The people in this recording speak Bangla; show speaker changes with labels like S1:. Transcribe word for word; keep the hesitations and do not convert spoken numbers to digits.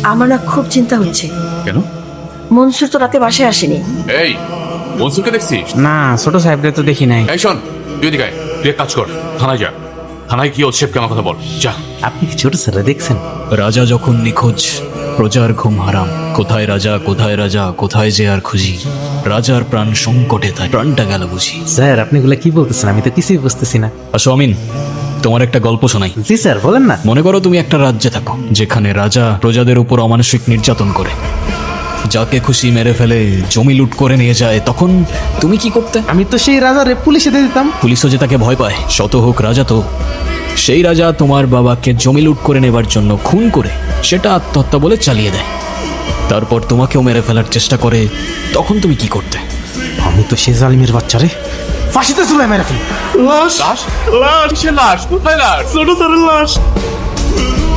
S1: আমার না খুব চিন্তা হচ্ছে।
S2: কেন?
S1: মনসুর তো রাতে বাসায় আসেনি।
S2: এই মনসুরকে দেখছিস?
S3: না, ছোট সাহেবরে তো দেখি নাই।
S2: এই শোন, তুই এদিকে আয়, তুই এক কাজ কর, থানায় যা। থানায় গিয়ে ওর শেফকে আমার কথা বল, যা।
S3: আপনি কি ছোট স্যার দেখছেন?
S4: রাজা যখন নিখোঁজ, প্রজার ঘুম হারাম। কোথায় রাজা, কোথায় রাজা, কোথায় যে আর খুঁজি। রাজার প্রাণ সংকটে, তাই প্রাণটা গেল বুঝি।
S3: স্যার আপনি এগুলা কি বলতেছেন? আমি তো কিছুই বুঝতেছি না।
S4: আসো আমিন, তোমার একটা গল্প শোনাই।
S3: জি স্যার, বলেন না।
S4: মনে করো তুমি একটা রাজ্যে থাকো, যেখানে রাজা প্রজাদের উপর অমানসিক নির্যাতন করে, যাকে খুশি মেরে ফেলে, জমি লুট করে নিয়ে যায়। তখন তুমি কি করতে?
S3: আমি তো সেই রাজারে পুলিশে দিয়ে দিতাম।
S4: পুলিশও যে তাকে ভয় পায়, শত হোক রাজা তো। সেই রাজা তোমার বাবাকে জমি লুট করে নেবার জন্য খুন করে সেটা আত্মহত্যা বলে চালিয়ে দেয়। তারপর তোমাকেও মেরে ফেলার চেষ্টা করে, তখন তুমি কি করতে?
S3: আমি তো সেই জালিমের বাচ্চারে ফাঁসিতে ঝুলাই মেরে ফেলি।
S2: লাশ লাশ কিসের লাশ? কোথায় লাশ?
S3: ছোট স্যারের লাশ।